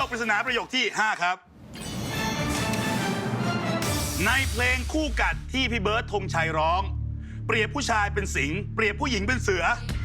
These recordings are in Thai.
คปริศนาประโยคที่ 5 ครับในเพลงคู่กัดที่พี่เบิร์ดธงชัยร้องเปรียบผู้ชายเป็นสิงห์เปรียบผู้หญิงเป็นเสือ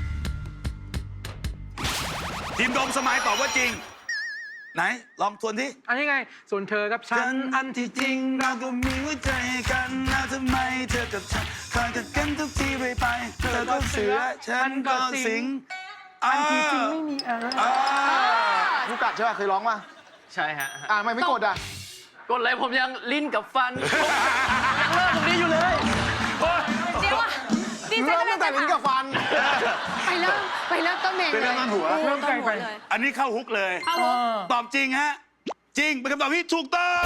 ทีมโดมสมัยตอบว่าจริงไหนลองทวนที่อันนี้ไงส่วนเธอกับฉันอันที่จริงเราก็มีหัวใจกันแล้วทำไมเธอกับฉันคอยกันกันทุกทีไปเธอก็เสือฉันก็สิงอันที่จริงไม่มีอะไรผู้กัดใช่ป่ะเคยร้องป่ะใช่ฮะไม่กดอ่ะกดเลยผมยังลิ้นกับฟันยังเลิกตรงนี้อยู่เลยเดี๋ยวอ่ะดิฉันก็ตั้งแต่ลิ้นกับฟันไปเริ่มต้นเมนเลยเริ่มไกลไปอันนี้เข้าฮุกเลยตอบจริงฮะจริงเป็นคำตอบที่ถูกต้อง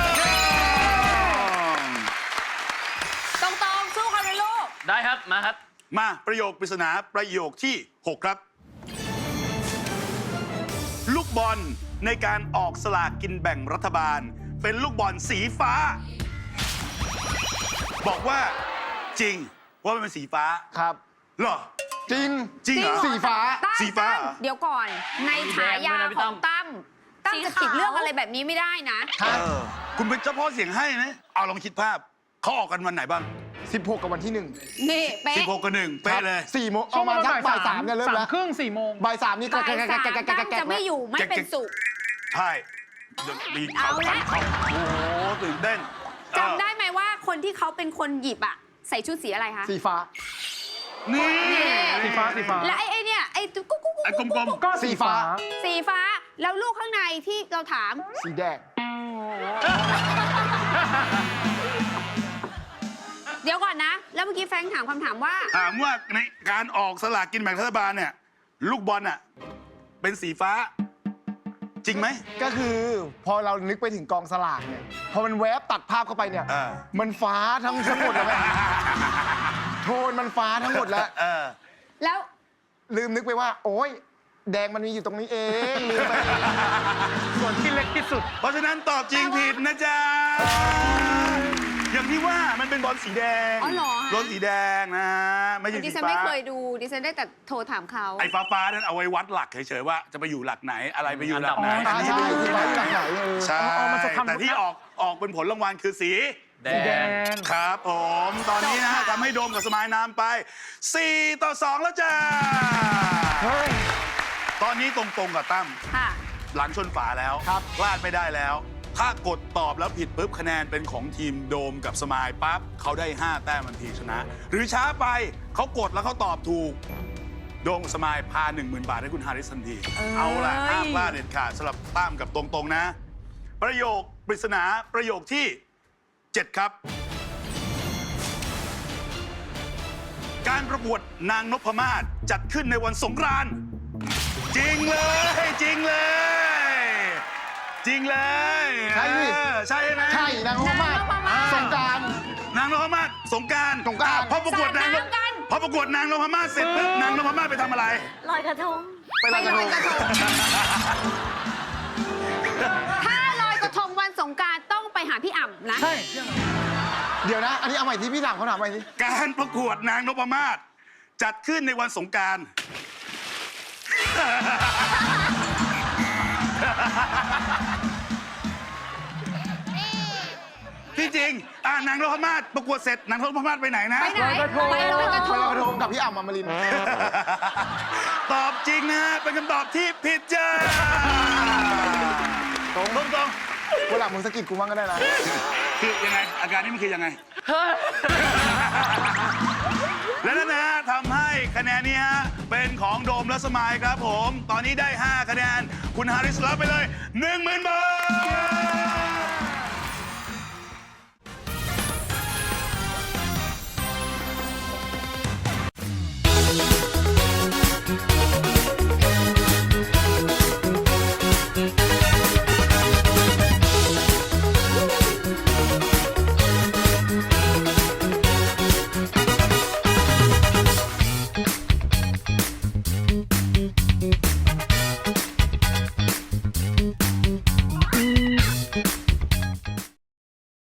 ตรงสู้เขาเลยลูกได้ครับมาครับมาประโยคปริศนาประโยคที่ 6 ครับลูกบอลในการออกสลากกินแบ่งรัฐบาลเป็นลูกบอลสีฟ้าบอกว่าจริงว่ามันเป็นสีฟ้าครับเหรอจริงเหรอสีฟ้าสีฟ้าเดี๋ยวก่อนในฉายาของตั้มจะผิดเรื่องอะไรแบบนี้ไม่ได้นะคุณเป็นเจ้าพ่อเสียงให้นะเอาลองคิดภาพเขาออกกันวันไหนบ้าง 16กับวันที่1 นี่เป๊ะ 16กับ1เป๊ะเลย 4 โมงเอามาสักบ่าย 3เนี่ยเริ่มแล้วครึ่ง4 โมงบ่าย 3นี่บ่าย 3ตั้มจะไม่อยู่ไม่เป็นสุขใช่มีเขาฟันเขาโอ้โหตื่นเต้นจำได้ไหมว่าคนที่เขาเป็นคนหยิบอะใส่ชุดสีอะไรคะสีฟ้านี่สีฟ้าและไอ้เนี่ยไอ้กุ๊กกลมๆก็สีฟ้าแล้วลูกข้างในที่เราถามสีแดงเดี๋ยวก่อนนะแล้วเมื่อกี้แฟรงค์ถามคำถามว่าในการออกสลากกินแบ่งรัฐบาลเนี่ยลูกบอลอะเป็นสีฟ้าจริงไหมก็คือพอเรานึกไปถึงกองสลากเนี่ยพอมันแวบตัดภาพเข้าไปเนี่ยมันฟ้าทั้งหมดเลยโทนมันฟ้าทั้งหมดแล้วลืมนึกไปว่าโอ๊ยแดงมันมีอยู่ตรงนี้เองลืมไปส่วนที่เล็กที่สุดเพราะฉะนั้นตอบจริงผิดนะจ๊ะอย่างที่ว่ามันเป็นบอลสีแดงบอลสีแดงนะไม่ใช่สีฟ้าดิฉันไม่เคยดูดิฉันได้แต่โทรถามเขาไอ้ฟ้านั้นเอาไว้วัดหลักเฉยๆว่าจะไปอยู่หลักไหนอะไรไปอยู่หลักไหนใช่ที่วัดหลักไหนใช่แต่ที่ออกเป็นผลรางวัลคือสีแดงครับผมตอนนี้นะทำให้โดมกับสมายน้ำไป4-2แล้วจ้าตอนนี้ตรงๆกับตั้มหลังชนฝาแล้วพลาดไม่ได้แล้วถ้ากดตอบแล้วผิดปุ๊บคะแนนเป็นของทีมโดมกับสมายปั๊บเขาได้5 แต้มทันทีชนะหรือช้าไปเขากดแล้วเขาตอบถูกโดมกับสมายพา 10,000 บาทให้คุณฮาริสทันทีเอาล่ะห้ามพลาดเด็ดขาดสำหรับตั้มกับตรงๆนะประโยคปริศนาประโยคที่7 ครับการประกวดนางนพมาศจัดขึ้นในวันสงกรานต์จริงเลยจริงเลยใช่ไหมใช่นางนพมาศสงกรานต์นางนพมาศสงกรานต์พอประกวดนางนพมาศเสร็จปุ๊บนางนพมาศไปทำอะไรลอยกระทงไปลอยกระทงถ้าลอยกระทงวันสงกรานต์ต้องไปหาพี่อ่ำนะใช่เดี๋ยวนะอันนี้เอาใหม่ที่พี่ถามเขาถามใหม่ที่การประกวดนางนพมาศจัดขึ้นในวันสงกรานต์ที่จริงนางนพมาศประกวดเสร็จนางนพมาศไปไหนนะไปลอยกระทงกับพี่อ่ำอมรินทร์ตอบจริงนะเป็นคำตอบที่ผิดจ้าตรงวันหลังมึงสะกิดกูบ้างก็ได้นะคือยังไงอาการนี้มันคือยังไงและนั่นนะทำให้คะแนนนี้ฮะเป็นของโดมและสมายครับผมตอนนี้ได้5 คะแนนคุณฮาริสรับไปเลย 10,000 บาท